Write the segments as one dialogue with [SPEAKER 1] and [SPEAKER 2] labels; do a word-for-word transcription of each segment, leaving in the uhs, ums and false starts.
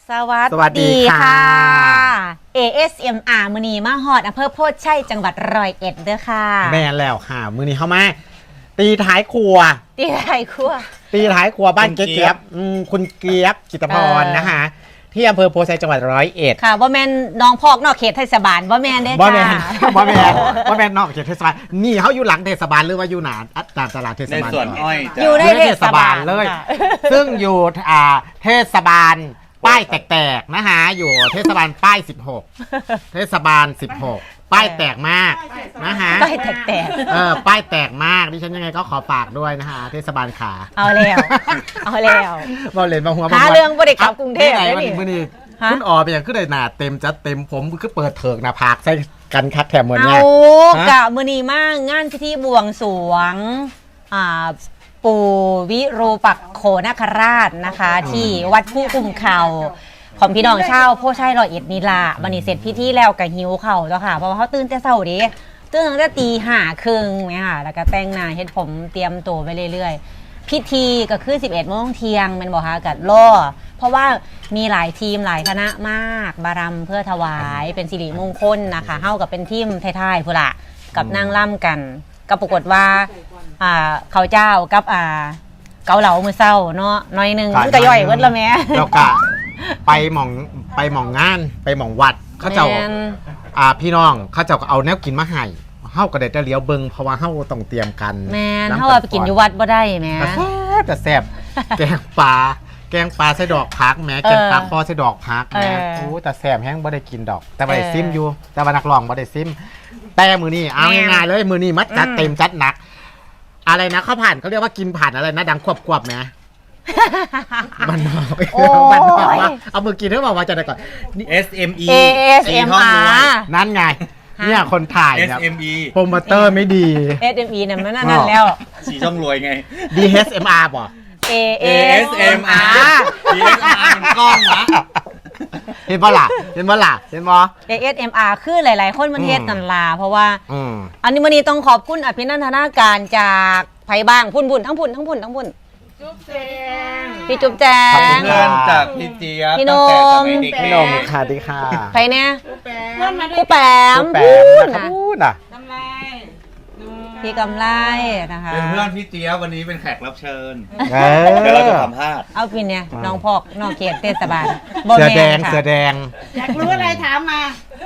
[SPEAKER 1] สวัส
[SPEAKER 2] สวัสดี
[SPEAKER 1] ดี
[SPEAKER 2] ค่ะ
[SPEAKER 1] ค่ะ เอ เอส เอ็ม อาร์ มือนีมาฮอดอำเภอโพธิ์ชัยจังหวัดร้อยเอ็ดเด้อค่ะ
[SPEAKER 2] แม่นแล้วค่ะ มือนี้เข้ามาตีท้ายครัว
[SPEAKER 1] ตีไข่คั่ว
[SPEAKER 2] ตีท้ายครัวบ้าน
[SPEAKER 3] คุณ
[SPEAKER 2] เจ๊
[SPEAKER 3] เจี๊
[SPEAKER 2] เจี๊ย
[SPEAKER 3] ย
[SPEAKER 2] บบ อืมคุณเกียบจิตรพร
[SPEAKER 1] เออ
[SPEAKER 2] นะคะที่อำเภอโพธิ์ชัยจังหวัดร้อยเอ็ด
[SPEAKER 1] ค่ะว่าแม่นน้องพอกนอกเขตเทศบาลว่าแม่นเด้อ
[SPEAKER 2] บ่แม
[SPEAKER 1] ค่ะ
[SPEAKER 2] นบ่แมนบ่แมนนอกเขตเทศบาลนี่เขาอยู่หลังเทศบาลหรือว่าอยู่หนาตามตลาดเทศ
[SPEAKER 3] ใน
[SPEAKER 2] บาล
[SPEAKER 3] ส่วนอ้อยจะ
[SPEAKER 1] อยู่ใน
[SPEAKER 2] อยู่
[SPEAKER 1] เทศบาล
[SPEAKER 2] เลย
[SPEAKER 1] ค่ะ
[SPEAKER 2] ซึ่งอยู่อ่าเทศบาลป้ายแตกๆนะคะอยู่เทศบาลป้ายสิบหกเทศบาลสิบหกป้ายแตกมากนะคะ
[SPEAKER 1] ใต้แตก
[SPEAKER 2] เออป้ายแตกมากดิฉันยังไงก็ขอฝากด้วยนะคะเทศบาลขา
[SPEAKER 1] ๆเอาแล้ว เอาแล้ว
[SPEAKER 2] บอลเลนมาหัว
[SPEAKER 1] หาเรื่องบ่ได้กลับกรุงเทพ
[SPEAKER 2] ไหน
[SPEAKER 1] ได้
[SPEAKER 2] วัน
[SPEAKER 1] นี่
[SPEAKER 2] นี้มื้อนี้
[SPEAKER 1] ฮะ
[SPEAKER 2] คุณออไปอย่างขึ้นเลยหนาเต็มจัดเต็มผมคือเปิดเถิกหนาผากใส่กันคักแถมเหมือน
[SPEAKER 1] เอา
[SPEAKER 2] เนี่ย ฮะ
[SPEAKER 1] กะมือนีมากงานพิธีบวงสรวงอ่าปู่วิรูปักโขนคราชนะคะ ที่วัดผู้กุมเขาของพี่น้องชาวโพธิ์ชัยร้อยเอ็ดนี่ล่ะบันนี้เสร็จพิธีแล้วก็หิวเข่าวแล้วค่ะเพราะว่าเขาตื่นแต่เช้าเดิตื่นตั้งแต่ตีห้าครึ่งเนี่ยค่ะแล้วก็แต่งหน้าเฮ็ดผมเตรียมตัวไปเรื่อยๆ พิธีก็คือสิบเอ็ดโมงเที่ยงแมันบอกค่ะกัดล่อเพราะว่ามีหลายทีมหลายคณะมากบารำเพื่อถวายเป็นสิริมงคลนะคะเฮากับเป็นทีมไทยๆพุ่นละกับนางล่ำกันก็ปรากฏว่าอ่าเขาวเจ้ากับอ่าเกาเหลามือเศร้าเนาะน้อยหนึงมันก็ย่อยเวิดละแม่
[SPEAKER 2] แล้วก็ไปหม่องไปหม่องงานไปหม่องวัดเขาเจ้า
[SPEAKER 1] แม่น
[SPEAKER 2] อ่าพี่น้องเขาเจ้าก็เอาแนวกินมาให้เฮาก็ได้แต่เลี้ยวเบิ่งเพราะว่าเฮาต้องเตรียมกัน
[SPEAKER 1] แม่น
[SPEAKER 2] ำ
[SPEAKER 1] เฮาว่าไปกินอยู่วัดบ่ได้แม่
[SPEAKER 2] แต่แซ่บแต่แซ่บแกงปลาแกงปลาใส่ดอกพักแหม้แกงปลาคอใส่ดอกพักแหม้
[SPEAKER 1] เออ
[SPEAKER 2] โอ้แต่แซ่บแห้งบ่ได้กินดอก แต่บ่ได้
[SPEAKER 1] เออ
[SPEAKER 2] ซิมอยู่ แต่ว่านักร้องบ่ได้ซิมแต่มือนี้เอา
[SPEAKER 1] แม่
[SPEAKER 2] ง่ายๆเลยมือนี้มัดจัด
[SPEAKER 1] อืม
[SPEAKER 2] เต็มจัดหนัก อะไรนะข้าวผ่านเขาเรียกว่ากินผ่านอะไรนะดังควบๆแหมมันบอก
[SPEAKER 1] โอ้ย
[SPEAKER 2] มันบอกว่าเอามือกินเท่าบอกว่าจะได้ก่อนนี่
[SPEAKER 3] เอส เอ็ม อี
[SPEAKER 1] เอ เอส เอ็ม อาร์
[SPEAKER 2] นั่นไงเนี่ยคนถ่าย
[SPEAKER 3] เอส
[SPEAKER 2] เนี่ย
[SPEAKER 3] เอ็ม อี
[SPEAKER 2] โปรโมเตอร์ไม่ดี
[SPEAKER 1] เอส เอ็ม อี นั่นมันนั่นแล้ว
[SPEAKER 3] สีช่องรวยไง
[SPEAKER 2] ดี เอส เอ็ม อาร์ ป่ะ
[SPEAKER 1] เอ เอ
[SPEAKER 3] เอ
[SPEAKER 1] ส
[SPEAKER 3] ส
[SPEAKER 1] เอ็
[SPEAKER 3] เอ็
[SPEAKER 1] ม
[SPEAKER 3] ม
[SPEAKER 1] อา
[SPEAKER 3] อา
[SPEAKER 1] ร์
[SPEAKER 3] ร์ดีเอสอาร์เป็นกล้องนะ
[SPEAKER 2] เห็นบ่ล่ะเห็นบ่ล่ะเห็นบ่
[SPEAKER 1] เอ เอส เอ็ม อาร์ คือหลาย ๆ คนมันเฮ็ดกันลาเพราะว่า
[SPEAKER 2] อืม
[SPEAKER 1] อันนี้วันนี้ต้องขอบคุณอภินันทนาการจากไผบ้างพุ่นพุ่นทั้งพุ่นทั้งพุ่นทั้งพุ่นพี่จุ๊บแจ
[SPEAKER 2] ขอบคุ
[SPEAKER 1] ง
[SPEAKER 2] ณ
[SPEAKER 3] เพื่อนจากพี่เจี๊ยบ
[SPEAKER 1] พี่โน
[SPEAKER 3] ตั้ง
[SPEAKER 1] ม
[SPEAKER 3] แต่สมัยเด็ก
[SPEAKER 2] พี่
[SPEAKER 3] ๆ
[SPEAKER 2] นมค่ะดีค่ะ
[SPEAKER 1] ไผเนี่ย
[SPEAKER 4] เพื่อนมาด้
[SPEAKER 1] ครู
[SPEAKER 4] วย
[SPEAKER 1] แปม
[SPEAKER 2] แป
[SPEAKER 1] พู
[SPEAKER 2] ม
[SPEAKER 1] ด
[SPEAKER 2] นะครับ
[SPEAKER 1] นะ
[SPEAKER 2] พูดน่ะ
[SPEAKER 4] ทำไรดู
[SPEAKER 1] พี่กำไรนะคะ
[SPEAKER 3] เป็นเพื่อนพี่เจี๊ยบวันนี้เป็นแขกรับเชิญ
[SPEAKER 2] เอ
[SPEAKER 3] เดี๋ยวเราจะ
[SPEAKER 2] อ
[SPEAKER 3] สัมภาษณ์
[SPEAKER 1] เอาพี่เนี่ย
[SPEAKER 2] อ่า
[SPEAKER 1] น้องพอกน้องเขตเทศบาล
[SPEAKER 2] เสือแดง
[SPEAKER 1] ค่ะ
[SPEAKER 2] เสือแดง
[SPEAKER 4] อยากรู้อะไรถามมา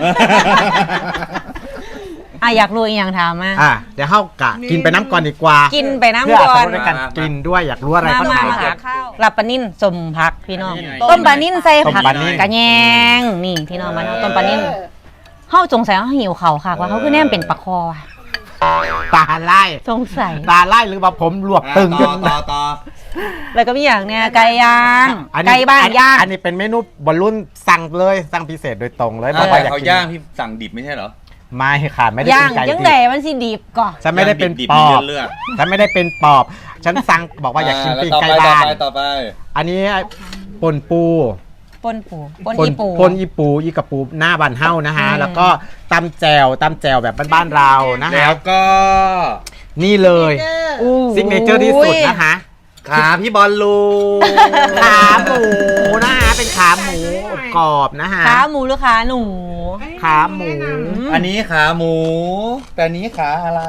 [SPEAKER 1] อ่ะอยากรู้อีกอย่างถามมา
[SPEAKER 2] อ่ะเดี๋ยวเข้ากะกินไปน้ำก่อนดีกว่า
[SPEAKER 1] กินไป
[SPEAKER 2] เพื่อ
[SPEAKER 1] น้ำก่อน
[SPEAKER 2] สำหรับการกินด้วยอยากรู้อะไร
[SPEAKER 1] มา
[SPEAKER 2] ก็
[SPEAKER 1] มา
[SPEAKER 2] ถาม
[SPEAKER 1] มา
[SPEAKER 2] ค
[SPEAKER 1] หา
[SPEAKER 2] รับ
[SPEAKER 1] ข้าวรับปลานิ่นสมผักพี่น้อง
[SPEAKER 3] นี่ไง
[SPEAKER 1] ต้มปลานิ่นใส่ผัก
[SPEAKER 2] ต้มปลานิ่น
[SPEAKER 1] กระแยงนี่พี่น้องมาเอาต้มปลานิ่นเฮาสงสัยว่าหิวเขาค่ะว่าเขาคือแนมเป็นปลาคอว่ะ
[SPEAKER 2] ตาไล่
[SPEAKER 1] สงสัย
[SPEAKER 2] ตาไล่หรือว่าผมรวบตึง
[SPEAKER 3] ต่อต่อต่อ
[SPEAKER 1] แล้วก็มีอย่างเนี้ยไก่ย่าง
[SPEAKER 2] อันนี้
[SPEAKER 1] ไก่บ้าน
[SPEAKER 2] อัน
[SPEAKER 1] ย่าง
[SPEAKER 2] อันนี้เป็นเมนูบอลลุ่นสั่งเลยสั่งพิเศษโดยตรงเลยบอกว่าอยาก
[SPEAKER 3] เขา
[SPEAKER 2] กิน
[SPEAKER 3] ย่างพี่สั่งดิบไม่ใช่เหรอ
[SPEAKER 2] ไม่ค่ะไม่ได้
[SPEAKER 1] ย่า
[SPEAKER 2] เป็
[SPEAKER 1] ง
[SPEAKER 2] นไก่
[SPEAKER 1] ยัง
[SPEAKER 2] ดิ
[SPEAKER 1] ไง
[SPEAKER 2] บ
[SPEAKER 1] มันสิดิบก่อน
[SPEAKER 2] ฉันไม่ได้เป็น
[SPEAKER 3] ดิบ
[SPEAKER 2] ป
[SPEAKER 3] ๆมี
[SPEAKER 2] อบ
[SPEAKER 3] เลือด
[SPEAKER 2] ฉันไม่ได้เป็นปอบ ฉันสั่งบอกว่าอยากกินปิ้งไก่
[SPEAKER 3] ต่อ
[SPEAKER 2] บ้าน
[SPEAKER 3] ไปต่อไป
[SPEAKER 2] อันนี้ปนปู
[SPEAKER 1] ปนปูปนอีปู
[SPEAKER 2] ปนอีปูอีกระปูหน้าบันเฮ้านะฮะ
[SPEAKER 1] อืม
[SPEAKER 2] แล้วก็ตำแจวตำแจวแบบบ้านๆเรานะ
[SPEAKER 3] แล้
[SPEAKER 2] ฮะ
[SPEAKER 3] วก็
[SPEAKER 2] นี่เลย
[SPEAKER 4] เจอ
[SPEAKER 1] อู้
[SPEAKER 2] ซิกเนเจอร์ที่สุดนะคะ
[SPEAKER 3] ขาพี่บอลลู
[SPEAKER 2] ขาหมูนะฮะเป็นขาหมูกรอบนะฮะ
[SPEAKER 1] ขาหมูหรือขาหนู
[SPEAKER 2] ขาหมู
[SPEAKER 3] อันนี้ขาหมู แต่อันนี้ขาอะไร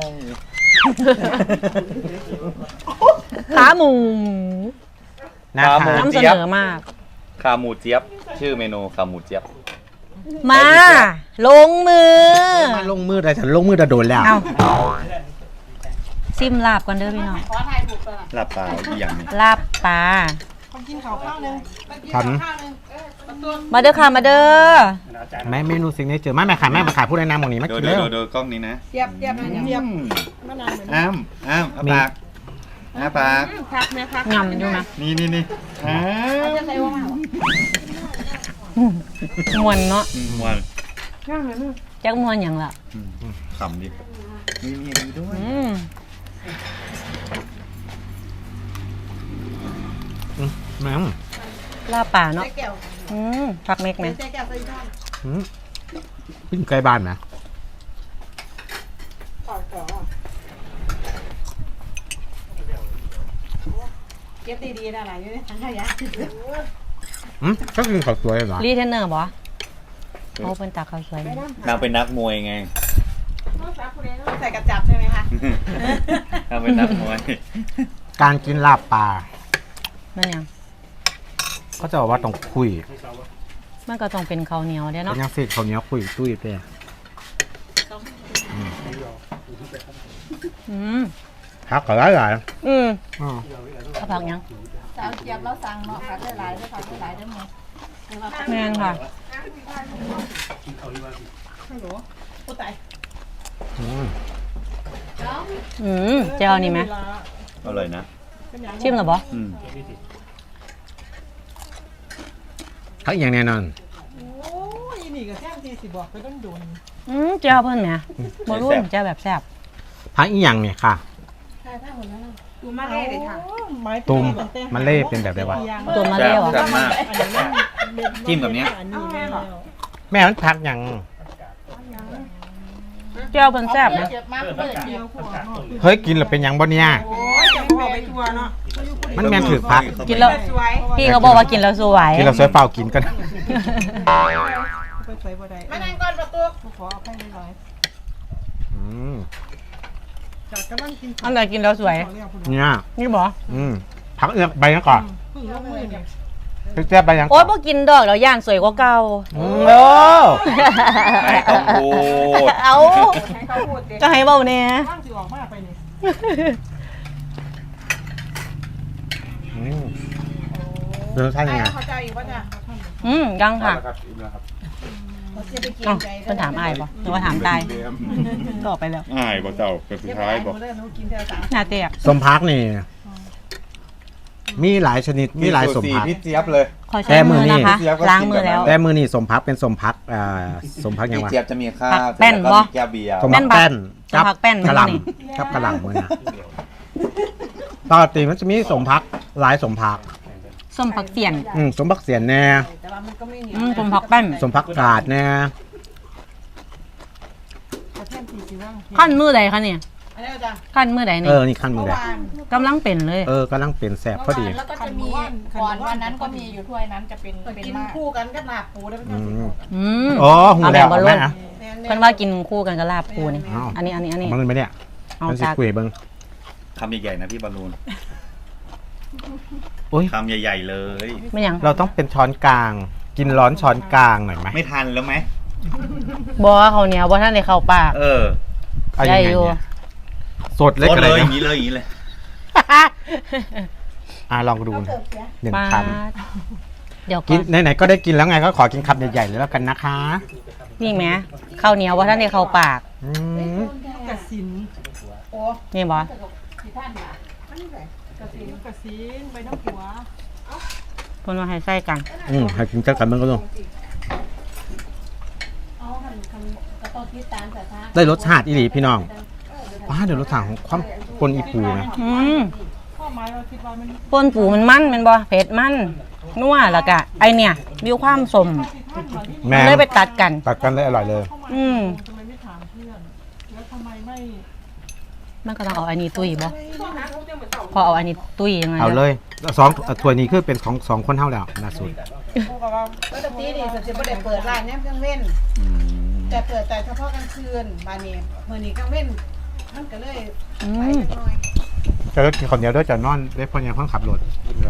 [SPEAKER 1] ขาหมู
[SPEAKER 2] นะ
[SPEAKER 3] ขา
[SPEAKER 2] คะ
[SPEAKER 3] หมู
[SPEAKER 1] นำเสนอมาก
[SPEAKER 3] ขาหมูเจี๊ยบ ชื่อเมนูขาหมูเจี๊ยบ
[SPEAKER 1] มา ลงมือ
[SPEAKER 2] มาลงมือแต่ฉันลงมือแต่โดนแล้ว
[SPEAKER 1] เอาซิมลาบก่อนเด้อพี่น้อง
[SPEAKER 4] ขอถ่ายถูกเลยล่ะ
[SPEAKER 3] หลับตาอีกอย่างหนึง
[SPEAKER 1] ลาบปลา
[SPEAKER 4] คนกินข้าวข้าวหนึง
[SPEAKER 2] ฉัน
[SPEAKER 4] ข้าวหนึงเออประตู
[SPEAKER 1] มาเด้อค่ะมาเด้อ
[SPEAKER 2] แม่เมนูซิกเนเจอร์แม่แม่ขายแม่มาขายผู้ใดนำหมองนี้มา
[SPEAKER 3] ดู
[SPEAKER 2] กิน
[SPEAKER 3] ดู
[SPEAKER 2] เร็ว
[SPEAKER 3] ดูดูกล้องนี้นะ
[SPEAKER 4] เทียบเทียบนะเทียบมะนาวเหมือน
[SPEAKER 3] อ้ามอ้ามอ้า
[SPEAKER 2] มี
[SPEAKER 3] ปากอ้าปาก
[SPEAKER 4] พักไหมพัก
[SPEAKER 1] งำอยู่นะ
[SPEAKER 3] นี่นี่นี่อ้า
[SPEAKER 4] จะใส่ว่าง
[SPEAKER 1] มวนเนาะ
[SPEAKER 3] อืมวัน
[SPEAKER 4] ง่ายไหมลูก
[SPEAKER 1] จักมวนอย่างละ
[SPEAKER 3] อืมขำดินี่นี่ดูด้วย
[SPEAKER 1] อืม
[SPEAKER 2] แม่ง
[SPEAKER 1] ลาบปลาเนาะ
[SPEAKER 4] ใส่แก้ว
[SPEAKER 1] อืมผักเม็กไหม
[SPEAKER 4] ใส่แก้วใส่ช้อน
[SPEAKER 2] อืมปิ้งไก่บ้านนะ
[SPEAKER 4] ต่อต่อเก็บดีๆนะอะไรอยู่ในถังขยะ
[SPEAKER 2] อืมก็กินข้าวสวยเหรอ
[SPEAKER 1] รีเทนเนอร์บ่เขาเป็นตาข้าวสวย
[SPEAKER 3] นางเป็นนักมวยไง
[SPEAKER 4] ใส่กระจับใช่ไหมคะ
[SPEAKER 3] นางเป็นนักมวย
[SPEAKER 2] การกินลาบปลา
[SPEAKER 1] มันยัง
[SPEAKER 2] ก็จะบอกว่าต้องคุย
[SPEAKER 1] มันก็ต้องเป็นข้าวเหนียวเด้
[SPEAKER 2] เป็
[SPEAKER 1] เนาะ
[SPEAKER 2] นยังสิเขาวเหนี้ยวคุยตุ้ยไป
[SPEAKER 1] อืม
[SPEAKER 2] พักก็ได้หลาย
[SPEAKER 1] อืม
[SPEAKER 2] อ๋อ
[SPEAKER 1] ข้าวผักยัง
[SPEAKER 4] สาวเจี๊ยบเราสั่งเนาะผักหลายๆด้วยผักหลายๆด้วยหมด
[SPEAKER 1] แม่นค่ะ
[SPEAKER 4] ฮัลโหลผู้ตาย
[SPEAKER 2] อืม
[SPEAKER 1] อืมเจ้านี่ไหม
[SPEAKER 3] อร่อยนะ
[SPEAKER 1] ชิมหรอบ่
[SPEAKER 3] อืม
[SPEAKER 2] พักอย่างแน่นอน
[SPEAKER 4] โอ้ยนี่ก็แท่งทีสิบอกไปต้นโดน
[SPEAKER 1] อืมเจ้าเพิ่นแหมบ่รู้เจ้าแบบแซ่บ
[SPEAKER 2] พักอีกอย่างเนี่ยค่ะ
[SPEAKER 4] ใช่ผ้าหมดแล้วตูมาเล่เลยค่ะ
[SPEAKER 2] ตุ่มมันเล่เป็นแบบไหนวะ
[SPEAKER 1] ตัวมาเร็ว
[SPEAKER 3] แซ่
[SPEAKER 1] อ่ะ
[SPEAKER 3] บมาก จิ้มกับเนี้ย
[SPEAKER 2] แม่มันพักอย่าง
[SPEAKER 1] เจ้าเพิ่นแซ่บนะ
[SPEAKER 4] เจ็บมากเลยเดียวขวดเนาะ
[SPEAKER 2] เฮ้ยกินแล้วเป็นหยังบ่เนี่ย
[SPEAKER 4] โอ้ยจะพอไปทัวร์เนาะ
[SPEAKER 2] มันแม่นถือพัก
[SPEAKER 1] กินแล้ว
[SPEAKER 4] สวย
[SPEAKER 1] พี่เขาบอกว่ากินแล้วสวย
[SPEAKER 2] กินแล้วสวยเปล่ากินก็ได้
[SPEAKER 4] ไปสวยบ่ได้มานั่งก่อนประตูขอเอาไปหน่อย
[SPEAKER 2] อืม
[SPEAKER 4] จากกำลังกิน
[SPEAKER 1] อันไหนกินแล้วสวย
[SPEAKER 2] เนี่ย
[SPEAKER 1] นี่บ่
[SPEAKER 2] อืมพักเอือกใบนั้นก่อน
[SPEAKER 4] เพิ่งลงมือเนี่ย
[SPEAKER 2] พี่เจ๊ยบใบยัง
[SPEAKER 1] โอ๊ยบ่กินดอกแล้วย่านสวยกว่าเก่า
[SPEAKER 2] อืมโอ้
[SPEAKER 3] ไม่ต้องพูด
[SPEAKER 1] เอา
[SPEAKER 4] ให้เขาพูดเด็ก
[SPEAKER 1] จะให้เบาเนี่ย
[SPEAKER 4] ว่างสิออกมาไปนี่
[SPEAKER 2] อืมรสชาติยังไง
[SPEAKER 4] เขาใจอีกว่าเนี่ย
[SPEAKER 1] อืมยังค่ะ
[SPEAKER 4] เขาจะไปกิน
[SPEAKER 1] เอ้า
[SPEAKER 4] ใจ
[SPEAKER 1] เพิ่นถามอายบ่หรือว่าถามตายตอบไปแล้ว
[SPEAKER 5] ง่ายบอกเจ้าเป็นสุดท้ายบอก
[SPEAKER 4] เดี๋วหนูกินเท่าสาม
[SPEAKER 1] หน้าเตียก
[SPEAKER 2] สมพักนี่ มีหลายชนิด มีหลายสม
[SPEAKER 3] สูตร
[SPEAKER 2] พัก
[SPEAKER 3] พี่เจี๊ยบเลย
[SPEAKER 1] ขอใช้มือนะคะ
[SPEAKER 3] แต่มือนี่
[SPEAKER 1] ล้างมือแล้ว
[SPEAKER 2] แต่มือนี่สมพักเป็นสมพักอ่าสมพักยัง
[SPEAKER 3] พี่
[SPEAKER 2] วะ
[SPEAKER 3] เจี๊ยบจะมีข้า
[SPEAKER 1] ผั
[SPEAKER 3] ว
[SPEAKER 1] กแป้น
[SPEAKER 3] แล้ว
[SPEAKER 1] บ่
[SPEAKER 3] ก็มีแก้วเบียร์
[SPEAKER 2] สมพักแป้น
[SPEAKER 1] สมพักแป้น
[SPEAKER 2] กระห
[SPEAKER 1] นี่
[SPEAKER 2] ล่ำกับกระหล่ำมือนะปกติมันจะมีสมพักหลายสมพัก
[SPEAKER 1] ส้มผักเสียน
[SPEAKER 2] อืมสมพักเสียนแน่
[SPEAKER 4] แต่ว่ามันก็ไม่เหนียว
[SPEAKER 1] อืมส้มผักแป้น
[SPEAKER 2] สมพักกาดแน่
[SPEAKER 4] กระเทียมสีสีว่าง
[SPEAKER 1] ขั้นมือใดคะเนี่ย
[SPEAKER 4] อันนี้อาจารย์
[SPEAKER 1] ขั้นมือใด
[SPEAKER 2] เอ
[SPEAKER 1] นี่
[SPEAKER 2] อ นี่ขั้นมื
[SPEAKER 4] เมื่
[SPEAKER 2] อ
[SPEAKER 4] อ
[SPEAKER 2] แหละ
[SPEAKER 4] วาน
[SPEAKER 1] กำลังเป็นเลย
[SPEAKER 2] เออกำลังเป็นแสบพอดี
[SPEAKER 6] แล้วก็จะมีก่อนวันนั้นก็มีอยู่ถ้วยนั้นจะเป็น
[SPEAKER 4] เปิด
[SPEAKER 6] เป็น
[SPEAKER 4] กิน
[SPEAKER 6] มาก
[SPEAKER 4] คู่กันกับลาบปูได้ไหม
[SPEAKER 2] อืม
[SPEAKER 1] อืม
[SPEAKER 2] อ๋อหู
[SPEAKER 1] เอา
[SPEAKER 2] แล้
[SPEAKER 1] แบบ
[SPEAKER 2] ว
[SPEAKER 1] บอลลู
[SPEAKER 2] แม่
[SPEAKER 1] น
[SPEAKER 2] อะ
[SPEAKER 1] เพิ่นว่ากินคู่กันกับลาบปูนี่
[SPEAKER 2] อ้าว
[SPEAKER 1] อันนี้อันนี้อันนี้
[SPEAKER 2] มันเป็นไหมเนี่ย
[SPEAKER 1] เอา
[SPEAKER 2] มันสิ
[SPEAKER 1] จาก
[SPEAKER 2] คุยเบิ้ง
[SPEAKER 3] คำใหญ่ๆนะพี่บอลลูน
[SPEAKER 2] โอ้ย
[SPEAKER 3] คำใหญ่ๆเลย
[SPEAKER 1] ไม่ยัง
[SPEAKER 2] เราต้องเป็นช้อนกลาง กินร้อนช้อนกลางหน่อยไหม
[SPEAKER 3] ไม่ทันแล้วไหม
[SPEAKER 1] บ่เขาวเหนียวบ่ท่านได้เข้าปาก
[SPEAKER 3] เออ
[SPEAKER 2] เอายังไง
[SPEAKER 1] ได้อยู่
[SPEAKER 2] เนี่ยสดเล็ก
[SPEAKER 3] โคต
[SPEAKER 2] อะ
[SPEAKER 3] ร
[SPEAKER 2] ไร
[SPEAKER 3] เลยอ
[SPEAKER 2] นะ
[SPEAKER 3] ย่างนี้เลยอย่างนี้เลย
[SPEAKER 2] อ่ะลองดูนะหนึ่ง
[SPEAKER 1] ปา
[SPEAKER 2] ค
[SPEAKER 1] ดเดี๋ยว
[SPEAKER 2] ำ
[SPEAKER 1] ก่
[SPEAKER 2] กิ
[SPEAKER 1] อน น
[SPEAKER 2] ไหนๆก็ได้กินแล้วไงก็ขอกินคำใหญ่ๆเลยแล้วกันนะคะ
[SPEAKER 1] นี่แหมข้าวเหนียวบ่ท่านได้เข้าปาก
[SPEAKER 2] อืม
[SPEAKER 4] กระสินโอ้
[SPEAKER 1] นี่บ่
[SPEAKER 6] ที่ท่านน่ะ
[SPEAKER 4] อันนี้ไงกระสินกระสินใบน้ำหัว
[SPEAKER 1] เพิ่นว่าให้ใส่กัน
[SPEAKER 2] อืมให้กินเจ้ากันมันก็ต้อง
[SPEAKER 6] เอาคันคันกระต้นที่ตาลแต่ท่า
[SPEAKER 2] ได้รสชาติอีหลีพี่น้องว้าเดี๋ยวรสชาติของความปนอีปูนะ
[SPEAKER 1] อืม
[SPEAKER 4] ข้อหมายเราคิดว่ามัน
[SPEAKER 1] ป่นปูมันมันแม่นบ่เผ็ดมันนัวแล้วก็ไอเนี่ยมีความสม
[SPEAKER 2] แม่
[SPEAKER 1] เลยไปตัดกัน
[SPEAKER 2] ตัดกันเลยอร่อยเลย
[SPEAKER 1] อืม
[SPEAKER 4] ทำไมไม่ถามเพื่อน แล้วทำไมไม่
[SPEAKER 1] มันก็ต้องเอาอันนี้ตุ้ยบ่พอเอาอันนี้ตุ้ยยังไง
[SPEAKER 2] เอาเลยสองถ้วยนี้คือเป็นของสองคนเท่าแล้วล่าสุด
[SPEAKER 4] พูดกับว่าก็จะตีนี่จะไม่ได้เปิดร้านเนี่ยเครื่องเว้น
[SPEAKER 3] อืม
[SPEAKER 4] แต่เปิดแต่เฉพาะกลางคืนบานนี้เมื่อนี้กลางเว้นมันก็เลย
[SPEAKER 1] อื
[SPEAKER 4] ไป
[SPEAKER 1] ม
[SPEAKER 4] จักหน่อย
[SPEAKER 2] จะเลิกกินคนเดียวด้วยจะนอนได้พอยังเพิ่งขับรถ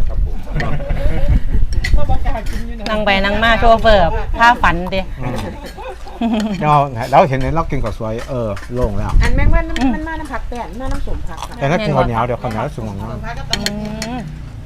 [SPEAKER 4] ก็บอกกล้ากินอยู่นะ
[SPEAKER 1] นั่งไปนั่งมาโชเฟอร์ผ้าฝันดิ
[SPEAKER 2] เราเราเห็นเรากินกับสวยเออโล่งแล้ว
[SPEAKER 6] อันแม่งว่าน้ำมันมาน้ำผักแป้นมาน้ำสมผักค่ะ
[SPEAKER 2] แต่ถ้ากินคนเหนียวเดี๋ยวคนเหนียวสูงของน้
[SPEAKER 4] เปิดพากับตำ
[SPEAKER 1] อื
[SPEAKER 4] บักหุ่ง
[SPEAKER 1] ม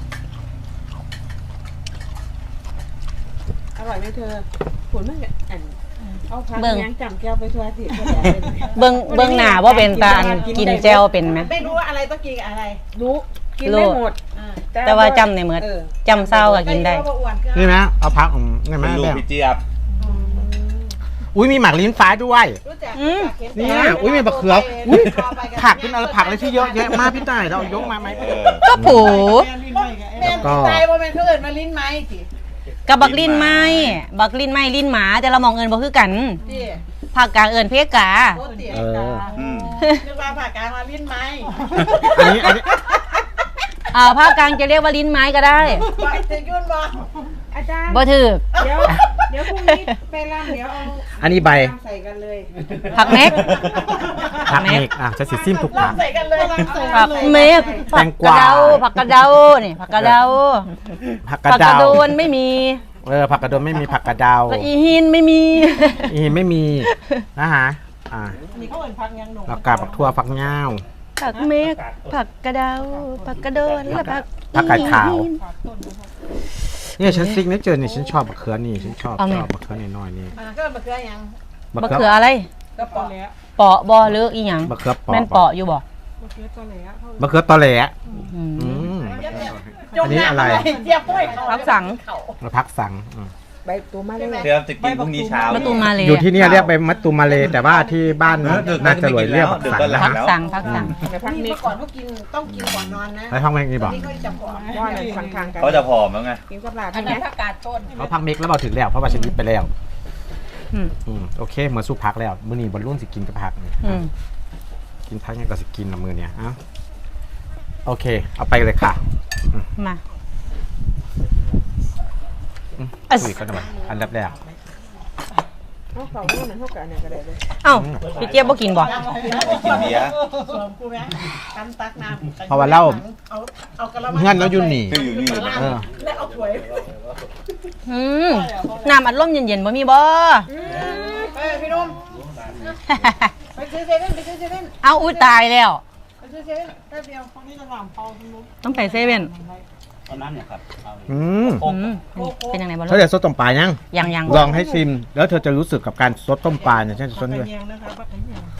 [SPEAKER 6] อร่อยไหมเธอผลมันก็อันเอาผักยังจำแก้วไปทั่วสิ
[SPEAKER 1] เบิ่งเบิ่งหน้าว่าเป็นตาอันกินแจวเป็นไหม
[SPEAKER 4] ไม่รู้ว่าอะไรต้องกินกับอะไร
[SPEAKER 6] รู้กินได้หมด
[SPEAKER 4] อ่า
[SPEAKER 1] แต่ว่าจำในเมือ
[SPEAKER 6] เออ
[SPEAKER 1] จำเศร้าก็กินได้
[SPEAKER 4] ก็อ้วนเกิ
[SPEAKER 2] ำนี่ไหมเอาพักอืมนี่ไหม
[SPEAKER 3] เป็นลูก
[SPEAKER 2] แม่
[SPEAKER 3] พี่เจี๊ยบ
[SPEAKER 2] อุ้ยมีหมากลิ้นฟ้าด้วย
[SPEAKER 4] รู้จัก
[SPEAKER 1] อืม
[SPEAKER 4] รู้จัก
[SPEAKER 2] เนี่ยอุ้ยมีมะเขืออุ้ยผักเป็นอะไรผักอะไรที่เยอะแยะมากพี่ต่ายเราเอายกมาไหม
[SPEAKER 3] เออ
[SPEAKER 1] ก็ผู
[SPEAKER 4] แม่นตายว่าแม่นเขาเอินมาลิ้นไม้สิ
[SPEAKER 1] กับบักลิ้นไม้บักลิ้นไม้ลิ้นหมาแต่เรามองเอินบ่คือกัน
[SPEAKER 4] ที่
[SPEAKER 1] ภาคกลางเอินเพกา
[SPEAKER 4] โคตรเตี๋ย
[SPEAKER 2] เออ
[SPEAKER 3] อืม
[SPEAKER 4] นึกว่าผ่ากลางมาลิ้นไม้
[SPEAKER 2] อันนี้อันนี้
[SPEAKER 1] อ่าภาคกลางจะเรียกว่าลิ้นไม้ก็ได้
[SPEAKER 4] ว่าจะยุ่นบ่
[SPEAKER 6] อาจารย์
[SPEAKER 1] บ่ถือ
[SPEAKER 6] เดี๋ยวเดี๋ยวพรุ่งนี้ไปรำเดี๋ยวเอา
[SPEAKER 2] อันนี้ใบ
[SPEAKER 6] ใส่กันเลย
[SPEAKER 1] ผักเม็ก
[SPEAKER 2] ผักเมกอ่ะจะสิซิมทุกผัก
[SPEAKER 4] ใส่กันเลย
[SPEAKER 1] ผักเม็ก
[SPEAKER 2] แตงกวา
[SPEAKER 1] ผักกระเดานี่ผักกระเดา
[SPEAKER 2] ผักกระ
[SPEAKER 1] ผักก
[SPEAKER 2] เดา
[SPEAKER 1] ระโดนไม่มี
[SPEAKER 2] เออผักกระโดนไม่มีผักกระเดา
[SPEAKER 1] แล้วอีหินไม่มี
[SPEAKER 2] อีไม่มีนะฮะอ่า
[SPEAKER 4] นี่เขาเอิ้นพักยังหนุ่ม
[SPEAKER 2] แล้วกาผักทั่วผักเง่าว
[SPEAKER 1] ผักเม็กผักกระเดาผักกระโดนและผัก
[SPEAKER 2] ผักกาดขาว
[SPEAKER 1] อีหิน
[SPEAKER 2] เนี่ยฉันซิกเนเจอร์นี่ฉันชอบมะเขือนี่ฉันชอบ
[SPEAKER 1] เอาไง
[SPEAKER 2] ชอบมะเขือน้อยๆนี่
[SPEAKER 4] อ่าก็มะเขือยัง
[SPEAKER 2] มะ
[SPEAKER 1] มะ
[SPEAKER 2] เขื
[SPEAKER 1] เขืออะไร
[SPEAKER 4] ก็ปอแล้ว
[SPEAKER 1] เปาะบอหรืออีหยัง
[SPEAKER 2] มะเขือเปาะ
[SPEAKER 1] แม่นเปาะอยู่บ่
[SPEAKER 6] มะเขือตัวไหนอะเขา
[SPEAKER 2] มะเขือตอแหล
[SPEAKER 1] อืม
[SPEAKER 2] อืม
[SPEAKER 4] จ
[SPEAKER 2] อันนี้อะไร
[SPEAKER 4] เจี๊ยบห้วยเขา
[SPEAKER 1] พักสัง
[SPEAKER 2] มะพักสังอืม
[SPEAKER 6] ใบตัวมาเลย
[SPEAKER 3] เดี๋ยวจะกินพรุ่งนี้เช้า
[SPEAKER 1] ประตูมาเลย
[SPEAKER 2] อยู่ที่เนี่ยเรียกไปมัตตุมาเลแต่ว่าที่บ้าน
[SPEAKER 3] เออดึก
[SPEAKER 2] น่าจะรวยเรียกผักสัง
[SPEAKER 3] ดึกก็หลั
[SPEAKER 2] นะ
[SPEAKER 3] บ
[SPEAKER 1] พัก
[SPEAKER 2] ฮะ
[SPEAKER 1] สังพักสัง
[SPEAKER 6] เดี๋ยวพัก
[SPEAKER 4] นี่
[SPEAKER 6] นี้
[SPEAKER 4] เมื่อก่อนเขากินต้องกินก่อนนอนนะ
[SPEAKER 2] แล้วท้องแม่งนี่บอก
[SPEAKER 4] นี่เขาจะผอม
[SPEAKER 6] ว่าอะไรฟังทางกัน
[SPEAKER 3] เขาจะผอมแล้วไง
[SPEAKER 6] กินกับลาบ
[SPEAKER 4] อัน
[SPEAKER 6] ใช่ไหม
[SPEAKER 4] นั้นผักกาดต้น
[SPEAKER 2] เขาพักเมกแล้วเราถึงแล้วเพราะว่าฉันยิบไปแล้ว
[SPEAKER 1] อืม
[SPEAKER 2] อืมโอเคเหมือนสู้พักแล้วมื้อนี้บอลรุ่นสิกินกับพักนี่
[SPEAKER 1] อืม
[SPEAKER 2] กินพักยังก็สิกินละมือเนี่ยเอ้าโอเค เอาไปเลยค่ะ
[SPEAKER 1] มา
[SPEAKER 2] อืมคุยกันหน่อยอันดับแรก
[SPEAKER 6] เขาเขาเนี่ยมันเท่ากันเนี่ยก็ได้เลย
[SPEAKER 1] เอ้าพี่เจี๊ยบบ่กินบ่
[SPEAKER 3] กินเบียร์
[SPEAKER 4] สวมกูไหมกันตักน้ำ
[SPEAKER 2] เพราะว่าเรา
[SPEAKER 4] เอาเอากระมัง
[SPEAKER 2] เงื่อนเราอยู่นี่
[SPEAKER 3] คืออยู่นี่
[SPEAKER 2] เออ
[SPEAKER 4] แล้วเอาถ้วย
[SPEAKER 1] อืมน้ำอัดลมเย็นๆบ่มีบ่
[SPEAKER 4] เอ้ยพี่นุ่มไปซื้อเซเว่นไปซื้อเซเว่น
[SPEAKER 1] เอาอุ้ยตายแล้ว
[SPEAKER 4] ไปซื้อเซเว่นแป๊บเดียวคนนี้จะหลับพอคุณนุ่ม
[SPEAKER 1] ต้องไปเซเว่น
[SPEAKER 2] อืม
[SPEAKER 1] อืมเป็นยังไงบ่
[SPEAKER 2] เธอ
[SPEAKER 1] รู้
[SPEAKER 2] เดี๋ยวซดต้มปลายัง
[SPEAKER 1] ยังยัง
[SPEAKER 2] ลองให้ชิม แล้วเธอจะรู้สึกกับการซดต้มปลาเนี่ยฉันจะซดด้วย
[SPEAKER 4] เมียงนะคะปักเมียง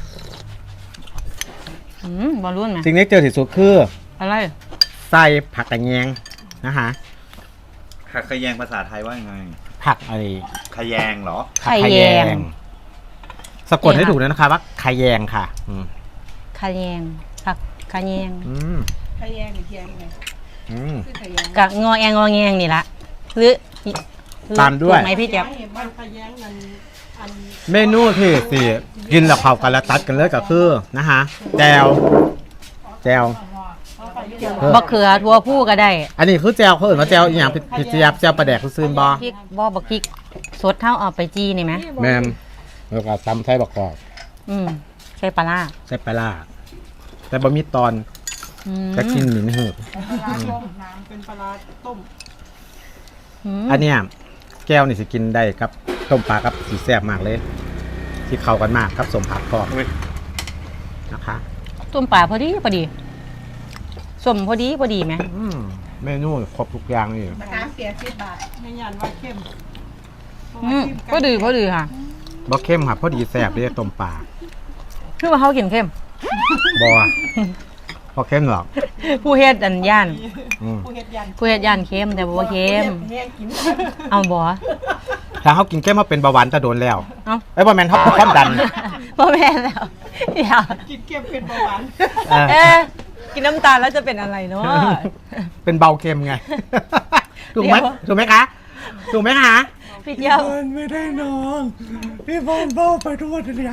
[SPEAKER 1] อืมบ่รู้ไหม
[SPEAKER 2] สิ่งที่เจอที่สุดคือ
[SPEAKER 1] อะไร
[SPEAKER 2] ไส้ผักกระแยงนะคะ
[SPEAKER 3] ผักขยงภาษาไทยว่ายังไง
[SPEAKER 2] ผักอะไร
[SPEAKER 3] ขยงเหรอ
[SPEAKER 2] ผักขะแยง สะกดให้ถูกเลยนะคะว่าขะแยงค่ะ อืม
[SPEAKER 1] ขะแยงผักขะแยง
[SPEAKER 2] อืม
[SPEAKER 4] ขยงหรือเทียงไง
[SPEAKER 2] อืม
[SPEAKER 4] คือขยง
[SPEAKER 1] กะงอแงงอแงงนี่ละหรือหรือ
[SPEAKER 2] ตามด้วย
[SPEAKER 1] ถูกไหมพี่เจี๊ยบ
[SPEAKER 4] บ้านขยงมันอัน
[SPEAKER 2] เมนูที่สี่กินแล้วเข้ากันแล้วตัดกันเลยก็คือนะคะแจวแจวเออ
[SPEAKER 1] บักเขือทั่วผู้ก็ได้
[SPEAKER 2] อันนี้คือแจวเขาเอื่นว่าแจวอีหยังผิดเจียบแจวปลาแดกคือซื่นบอ
[SPEAKER 1] พริกบ่บักพริกสดเท่าเอาไปจี้นี่ไหม
[SPEAKER 2] แมมแล้วก็ตำไส้บักกอก
[SPEAKER 1] อืมใส่ปลาร้า
[SPEAKER 2] ใส่ปลาร้าแต่บะมีตอน
[SPEAKER 1] อืม
[SPEAKER 2] จะกินหมิ่นหืด
[SPEAKER 4] ปลาต้มน้ำเป็นปลาต้ม
[SPEAKER 1] ม
[SPEAKER 2] อันเนี้ยแก้วนี่สิกินได้ครับต้มปลากับสีแซ่บมากเลย ที่เข้ากันมากครับสมผักทอด
[SPEAKER 3] อุ๊ย
[SPEAKER 2] นะคะ
[SPEAKER 1] ต้มปลาพอดีพอดีสมพอดีพอดีไหม
[SPEAKER 2] อืมเมนูครบทุกอย่างนี่
[SPEAKER 4] มะขามเปียกสิบบาทไม่ยันว่าเข้ม
[SPEAKER 1] อืมพอดีพอดีค่ะ
[SPEAKER 2] บ่เข้มครับพอดีแซ่บเลยต้มปลา
[SPEAKER 1] คือว่าเขากินเข้ม
[SPEAKER 2] บ่พอเข้มหรอก
[SPEAKER 1] ผู้เฮ็ดอันย่าน
[SPEAKER 2] อืม
[SPEAKER 4] ผู้เฮ็ดยัน
[SPEAKER 1] ผู้เฮ็ดย่านเข้มแต่บ่ว่าเข้ม
[SPEAKER 4] แห้งกิน
[SPEAKER 1] เอาบ่
[SPEAKER 2] ถ้าเขากินเข้มมาเป็นเบาหวานจะโดนแล้ว
[SPEAKER 1] เอา
[SPEAKER 2] ไอ้ยบ่แม่นเขาเป็นความดัน
[SPEAKER 1] บ่แม่นแล้วเดี๋ยว
[SPEAKER 4] กินเค็มเป็นเบาหวาน
[SPEAKER 2] เออ
[SPEAKER 1] เอ๊ะกินน้ำตาลแล้วจะเป็นอะไรเนาะ
[SPEAKER 2] เป็นเบาเค็มไง ถูกไหม
[SPEAKER 1] เดี๋ยว
[SPEAKER 2] ถูกไหมคะ ถูกไหมคะ
[SPEAKER 1] พี่เจียว
[SPEAKER 2] ไม่ได้นอนพี่บอลเบ้าไปทุกวันเลย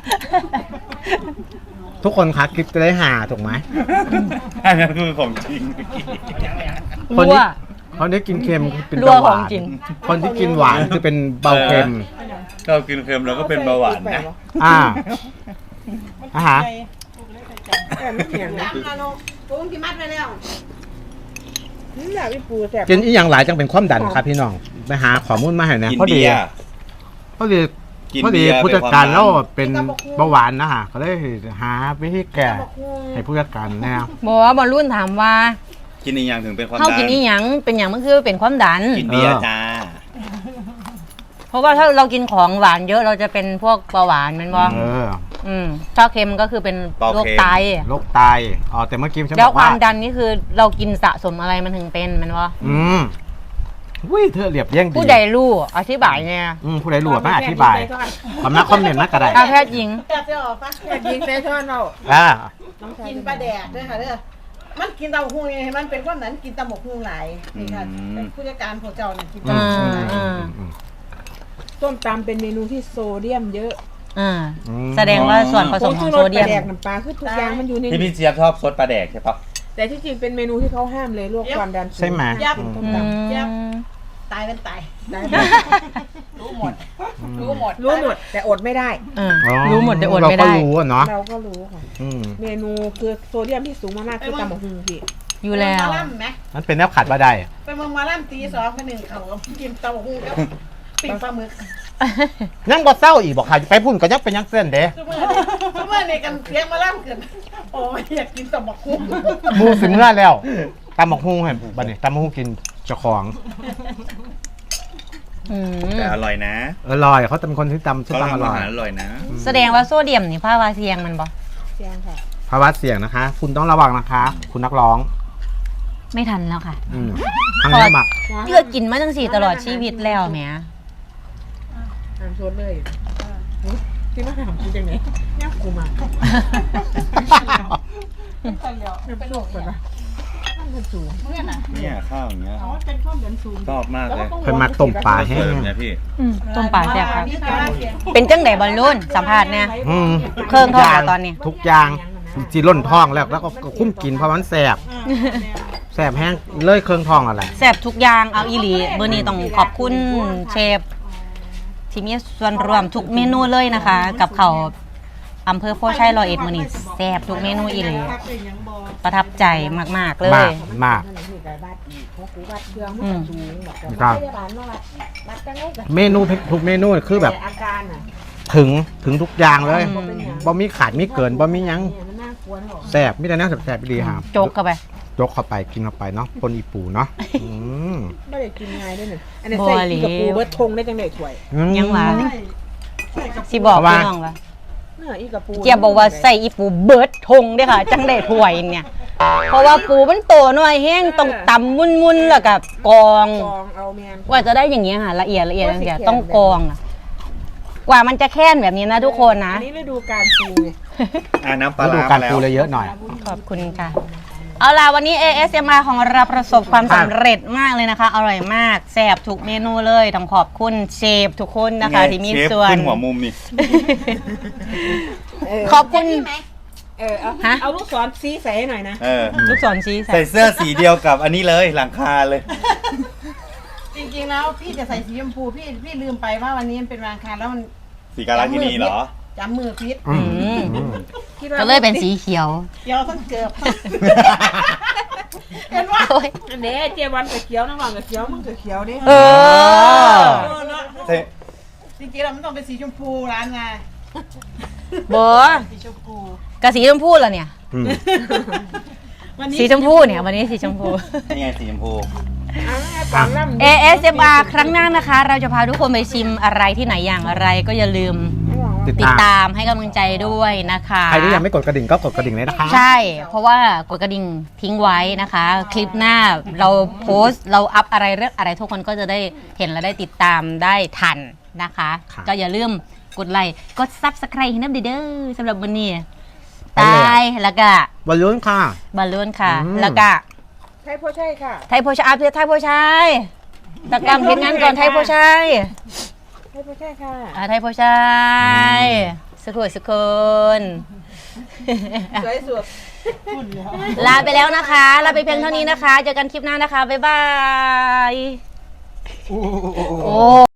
[SPEAKER 2] ทุกคนคะคลิปจะได้หาถูกไหม
[SPEAKER 3] อันนั้นคือของจริง
[SPEAKER 2] คน
[SPEAKER 1] รั่ว
[SPEAKER 2] ที่คนที่กินเค็มเป็น
[SPEAKER 1] รั่ว
[SPEAKER 2] เบาหวา
[SPEAKER 1] ของ
[SPEAKER 2] น
[SPEAKER 1] จริง
[SPEAKER 2] คนที่กินหวานคือเป็นเบาเค็ม
[SPEAKER 3] เรากินเค็มเราก็เป็นเบาหวานนะ
[SPEAKER 2] อ่าอาหาร
[SPEAKER 6] แต่ไม่เหี่ยงนะ
[SPEAKER 4] นาโนปูนที่มัดไปแล้ว
[SPEAKER 6] นี่อยากพี่ปูแสบ
[SPEAKER 2] กินอีกอย่างหลายจังเป็นความดันครับพี่น้องไปหาข้อมูลมาให้นะ
[SPEAKER 3] กิน
[SPEAKER 2] พอดี
[SPEAKER 3] เบียร์
[SPEAKER 2] พอดี
[SPEAKER 3] กิน
[SPEAKER 2] พอดี
[SPEAKER 3] เบียร์
[SPEAKER 2] ผู้จัดการ
[SPEAKER 3] เป็นความดัน
[SPEAKER 2] แล้วเป็นเบาหวานนะฮะก็เลยหาวิธีแก้ให้ผู้จัดการแนว
[SPEAKER 1] บอกว่าบอลรุ่นถามว่า
[SPEAKER 3] กินอีกอย่างถึงเป็นความ
[SPEAKER 1] เขา
[SPEAKER 3] ดั
[SPEAKER 1] กิน
[SPEAKER 3] น
[SPEAKER 1] อีหยังเป็นอย่างมันคือเป็นความดัน
[SPEAKER 3] กินเบียร์จ้า
[SPEAKER 1] เพราะว่าถ้าเรากินของหวานเยอะเราจะเป็นพวกเบาหวานแมันบ่
[SPEAKER 2] เออ
[SPEAKER 1] อืมถ้าเค็มก็คือเป็นโรคไต
[SPEAKER 2] โรคไตอ๋อแต่เมื่อกี้ฉัน
[SPEAKER 1] แล้
[SPEAKER 2] บ
[SPEAKER 1] ว
[SPEAKER 2] อก
[SPEAKER 1] ควา
[SPEAKER 2] ว่า
[SPEAKER 1] มดันนี่คือเรากินสะสมอะไรมันถึงเป็นแมันบ่
[SPEAKER 2] อืมอุ้ยเธอเรียบเรียงดี
[SPEAKER 1] ผู้ใดรู้อธิบายเนี่ย
[SPEAKER 2] อืมผู้ใดรู้มาอธิบายคำนักคอมเมนต์มากก็ได้
[SPEAKER 1] อาแพทย์หญิง
[SPEAKER 4] แต่จะออกปะ
[SPEAKER 6] แต่ยิงเซชอนเรา
[SPEAKER 2] อ่า
[SPEAKER 4] กินปลาแดกด้วยค่ะเด้อมันกินเตาหูไงมันเป็นความนั้นกินตำหมกหูหลายนี่ค่ะผู้จัดการของเจ้าเนี่ยกิน
[SPEAKER 2] อื
[SPEAKER 4] ตำหม
[SPEAKER 2] ม
[SPEAKER 4] กหู
[SPEAKER 2] อื
[SPEAKER 4] ห
[SPEAKER 2] ม
[SPEAKER 4] ลาย
[SPEAKER 2] อืมอืม
[SPEAKER 6] ส้มตำเป็นเมนูที่โซเดียมเยอะ
[SPEAKER 1] อ่า
[SPEAKER 2] อืม
[SPEAKER 1] แสดงว่าส่วนผสมของโซเดียม
[SPEAKER 6] แดกน้ำปลาคือทุกอย่างมันอยู่ใน
[SPEAKER 3] พี่พี่เจี๊ยบชอบซดปลาแดกใช่ปะ
[SPEAKER 6] แต่ที่จริงเป็นเมนูที่เขาห้ามเลยลวกความดันสูง
[SPEAKER 2] ใช่ไหม
[SPEAKER 4] ยับ
[SPEAKER 6] ต้ม
[SPEAKER 1] อื
[SPEAKER 6] ต
[SPEAKER 1] ม
[SPEAKER 4] ตายเป็นตาย
[SPEAKER 6] ำได้
[SPEAKER 4] รู้หมด รู้หมด
[SPEAKER 6] รู้หมดแต่อดไม่ได้
[SPEAKER 1] เออรู้หมดแต่อดไม่ได้
[SPEAKER 2] เราก็รู้อะเนาะ
[SPEAKER 6] เราก็รู้ค่ะ
[SPEAKER 2] อืม
[SPEAKER 6] เมนูคือโซเดียมที่สูงมากๆคือตำบักหุ่งพี่
[SPEAKER 1] อยู่แล้ว
[SPEAKER 4] ไปเมืองมาล่ำไหม
[SPEAKER 2] มันเป็นแนวขัดว่าได้
[SPEAKER 4] ไปเมืองมาล่ำตีสองไปหนึ่งเขากินเตาหูกับปิ้งปลาหมึก
[SPEAKER 2] ยังบ่เศร้าอีกบอกค่ะไปพุ่นก็ยังเป็นยังเส้นเด้
[SPEAKER 4] ทุกเมื่อทุกเมื่อในกันเสียงมาล่ำเกินโอ้ยอยากกินตำบักหุ่ง
[SPEAKER 2] หมูสิเมื่อแล้วตำบักฮุ่งเห็นบัดนี้ตำบักฮุ่งกินเจ้าของ
[SPEAKER 1] อืม
[SPEAKER 3] แต่อร่อยนะ
[SPEAKER 2] อร่อยเขาเป็นคนที่ตำชื่อ
[SPEAKER 3] เขา
[SPEAKER 2] ตำอ
[SPEAKER 3] ทำอา
[SPEAKER 2] ร่อย
[SPEAKER 3] หารอร่อยนะ
[SPEAKER 1] แสดงว่าโซเดียมนี่ภาวะเสี่ยงมันบ่
[SPEAKER 6] เชียงค่ะ
[SPEAKER 2] ภาวะเสี่ยงนะคะ คุณต้องระวังนะคะ คุณนักร้อง
[SPEAKER 1] ไม่ทันแล้วค่ะ
[SPEAKER 2] อืมทางนี้หมัก
[SPEAKER 1] เลือกกินมาตั้งสี่ตลอดชีวิตแล้วแหม
[SPEAKER 6] ทำโซดเลยที่มาถามกูจังไหนย่างกูมาเป็นโรคแบบว่ามันสูง
[SPEAKER 3] เนี่ยข้าวอย่างเงี้ย
[SPEAKER 4] อ๋อเป็นข้าวเหมือนสูง
[SPEAKER 3] ชอบมากเลย
[SPEAKER 2] เพิ่นมักต้มปลาแห้
[SPEAKER 3] เสิร์
[SPEAKER 2] ง
[SPEAKER 3] ฟเนี่ยพี่
[SPEAKER 1] อืมต้มปลาแซ่บครับ
[SPEAKER 4] นี่คือว่าเสียง
[SPEAKER 1] เป็นจังไดบอลลูนสัมภาษณ์เนี่ย
[SPEAKER 2] อืม
[SPEAKER 1] เครื่องทอดอะตอนนี้
[SPEAKER 2] ทุกอย่างจีร่นท้องแล้วแล้วก็คุ้มกินเพราะมันแสบแสบแห้งเลยเครื่องท้องอะไร
[SPEAKER 1] แซ่บทุกอย่างเอาอีหลีเบอร์นี้ต้องขอบคุณเชฟที่มีส่วนร่วมทุกเมนูเลยนะคะ กับเขาวอำเภอโพชัยร้อยเอ็ดมื้อนี้แซ่บทุกเมนูอีหลีประทับใจมากๆเล
[SPEAKER 2] มาย กมาก
[SPEAKER 6] นั่นแหละที่กับวัดอีกเขากูวัดเครื่องมัน
[SPEAKER 1] อืม
[SPEAKER 6] สูงแบบ
[SPEAKER 2] ครับ
[SPEAKER 6] พยาบาลมาวัดวัดจังไงกับ
[SPEAKER 2] เมนูทุกเมนูคือแบบ
[SPEAKER 6] อาการอ่ะ
[SPEAKER 2] ถึงถึงทุกอย่างเลย
[SPEAKER 1] อืม
[SPEAKER 2] บ่มีขาดมีเกินบ่มีหยัง
[SPEAKER 6] เนี่ยมันน่ากลัวนะบอก
[SPEAKER 2] แสบมีแต่แนวแสบๆดีครับ
[SPEAKER 1] โจกเข้าไป
[SPEAKER 2] ยกเข้าไปกินเข้าไปเนาะปนอีปูเนาะอืม
[SPEAKER 6] ไม่ได้กินง่ายด้วยหนึ่งอันนี้
[SPEAKER 1] บ่
[SPEAKER 6] ใส่
[SPEAKER 1] หลี
[SPEAKER 6] อีกับปูเบิร์ดทงได้จังไดถ้วย
[SPEAKER 1] ยังหวานสิบอกพี่น้องว่า
[SPEAKER 6] เนื้ออีกับปู
[SPEAKER 1] เจียบบอกว่าใส่อีปูเบิร์ดทงเด้อค่ะ จังได้ถ้วยเนี่ย เพราะว่าปูมันโตหน่อยแห้งต้องตำมุนๆแล้วก็กรอง
[SPEAKER 6] กองเอาแมน
[SPEAKER 1] กว่าจะได้อย่างเงี้ยค่ะละเอียดละเอียดละเอียดต้องกรองอะกว่ามันจะแค่นแบบนี้นะทุกคนนะ
[SPEAKER 6] อันนี้ฤดูการปูไง
[SPEAKER 3] อ่าน้ำปลา
[SPEAKER 2] แล้วดู
[SPEAKER 3] ร้า
[SPEAKER 2] การ
[SPEAKER 3] มาแล้
[SPEAKER 2] ปู
[SPEAKER 3] ว
[SPEAKER 2] เลยเยอะหน่อย
[SPEAKER 1] ขอบคุณค่ะ เอาล่ะวันนี้ เอ เอส เอ็ม อาร์ ของเราประสบความสำเร็จมากเลยนะคะ อร่อยมากแซ่บทุกเมนูเลยต้องขอบคุณเชฟทุกคนนะคะ ที่มี
[SPEAKER 3] เชฟ
[SPEAKER 1] ส่วน
[SPEAKER 3] ขึ้นหัวมุมนี่
[SPEAKER 6] เออ
[SPEAKER 1] ขอบคุณ
[SPEAKER 6] เออเอา
[SPEAKER 1] ฮะ
[SPEAKER 6] เอาลูกศรซีใส่ให้หน่อยนะ
[SPEAKER 3] เออ
[SPEAKER 1] ลูกศรชี้ใส่
[SPEAKER 3] ใส่เสื้อสีเดียวกับอันนี้เลยหลังคาเลย
[SPEAKER 4] จริงๆแล้วพี่จะใส่สีชมพูพี่พี่ลืมไปว่าวันนี้มันเป็นวันอังคารแล้วมัน
[SPEAKER 3] สีการากินีเหรอ
[SPEAKER 4] จำมือพิษ
[SPEAKER 2] อืมอืม
[SPEAKER 6] คิดว่า
[SPEAKER 1] ก็เลยเป็นสีเขียว
[SPEAKER 4] เดี๋ยวต้องเกือบ เห็นว่า
[SPEAKER 1] โอ้ย
[SPEAKER 6] อันนี้เจวันกับเขียวน้ำหวานกับเขียวมึงกับเขียวดิ
[SPEAKER 1] เออ
[SPEAKER 3] ใช่
[SPEAKER 4] จริงๆแล้วมันต้องเป็นสีชมพูร้านไง
[SPEAKER 1] บอ
[SPEAKER 4] สีชมพู
[SPEAKER 1] กะสีชมพูเหรอเนี่ย
[SPEAKER 2] อืม
[SPEAKER 4] วันนี้
[SPEAKER 1] สีชมพูเนี่ยวันนี้สีชมพู
[SPEAKER 3] นี่ไงสีชมพู
[SPEAKER 6] อ่าตามล่ำ
[SPEAKER 1] เอ เอส เอ็ม อาร์ ครั้งหน้านะคะ เราจะพาทุกคนไปชิมอะไรที่ไหนอย่างไรก็อย่าลืม
[SPEAKER 2] ติด
[SPEAKER 1] ติด
[SPEAKER 2] ตาม
[SPEAKER 1] ตามให้กำลังใจด้วยนะคะ
[SPEAKER 2] ใครที่ยังไม่กดกระดิ่งก็กดกระดิ่งเลยนะคะ
[SPEAKER 1] ใช่ เพราะว่ากดกระดิ่งทิ้งไว้นะคะ คลิปหน้าเราโพสต์เราอัพอะไรเรื่องอะไรทุกคนก็จะได้เห็นและได้ติดตามได้ทันนะคะ
[SPEAKER 2] ครับ
[SPEAKER 1] ก็อย่าลืมกดไลค์กดซับสไครต์ให้น้ำเด้อสำหรับวันนี้
[SPEAKER 2] ไป
[SPEAKER 1] ต
[SPEAKER 2] เลย
[SPEAKER 1] ายแล้วก็
[SPEAKER 2] บอลลูนค่ะ
[SPEAKER 1] บอลลูนค่ะ
[SPEAKER 2] อืม
[SPEAKER 1] แล้วก็
[SPEAKER 6] ใช่พ่อใช่ค่ะ
[SPEAKER 1] ไทยโพชัยอาเพชรไทยโพชัยตะกรรมเพชรงานก่อนไทยโพชัย
[SPEAKER 6] ใช่พ่อใช่ค่ะ
[SPEAKER 1] อ่าไทยโพชัยสุขสุขคน
[SPEAKER 6] สวยสุด
[SPEAKER 1] ลาไปแล้วนะคะ ลาไปเพียงเท่านี้นะคะ เจอกันคลิปหน้านะคะ บ๊ายบาย โอ้